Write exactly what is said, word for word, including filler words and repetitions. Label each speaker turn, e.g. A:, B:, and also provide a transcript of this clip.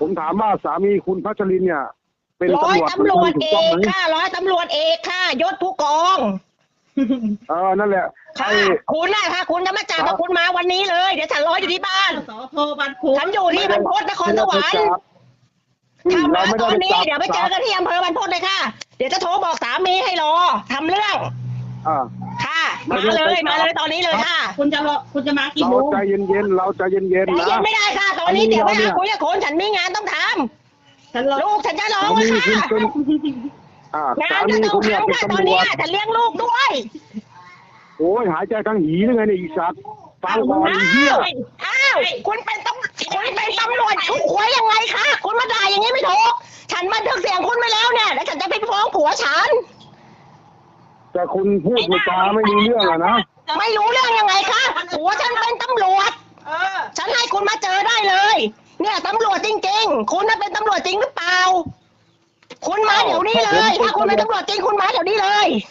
A: ผมถามว่าสามีคุณพัชรินเนี่ยเป็น
B: ร้อย
A: ตำรวจ
B: ตำรวจเอกค่ะร้อยตำรวจเอกค่ะยศผู้กอง
A: เออนั่นแหละ
B: ค่ะคุณน่ะค่ะคุณจะมาจับกับคุณมาวันนี้เลยเดี๋ยวฉันรออยู่ที่บ้าน
C: สโทบันพุ
B: ฉันอยู่ที่บรรพตนครสวรรค์ถ้ามาตอนนี้เดี๋ยวไปเจอกันที่อำเภอบรรพตเลยค่ะเดี๋ยวจะโทรบอกสามีให้รอทำเรื่อง
A: อ่า
B: ค่ะมาเลยมาเลยตอนนี้เลยค่ะ
C: คุณจะรอคุณจะมากี่
A: เรา
C: โมง
A: ใจเย็นๆเราใจเย็น
B: ใจ
A: ๆนะ
B: เย็นไม่ได้ค่ะ ตอนนี้เดี๋ยวไปหาคุยกับคนฉันมีงานต้องท
C: ฉันรอ
B: ำลูกฉันจะรอ
A: สามี
B: ค่ะ
A: คุณเป็นอ่าง
B: า
A: สาน
B: จะ
A: มี
B: ต้อง
A: คุณเนี่ย
B: ทำ
A: เป็น
B: ค่ะตอ
A: ตำ
B: น
A: ร
B: นี้
A: วจ
B: ฉันเลี้ยงลูกด้วย
A: โอ้ยหายใจทั้งหีนึงไงเนี่ยอีสัตว์ฟังก่อนไอ้เหี้ย
B: อ้าวคุณเป็นตำคุณเป็นตำรวจคุณหวยยังไงคะคุณมาด่าอย่างนี้ไม่ถูกฉันบันทึกเสียงคุณไว้แล้วเนี่ยแล้วฉันจะไปฟ้องผัวฉัน
A: แต่คุณพูดจาไม่รู้เรื่องอะนะ
B: ไม่รู้เรื่องยังไงคะผัวฉันเป็นตำรวจ
C: เออ
B: ฉันให้คุณมาเจอได้เลย เนี่ยตำรวจจริงๆ คุณน่ะเป็นตำรวจจริงหรือเปล่า คุณมาเดี๋ยวนี้เลย ถ้าคุณเป็นตำรวจจริงคุณมาเดี๋ยวนี้เลย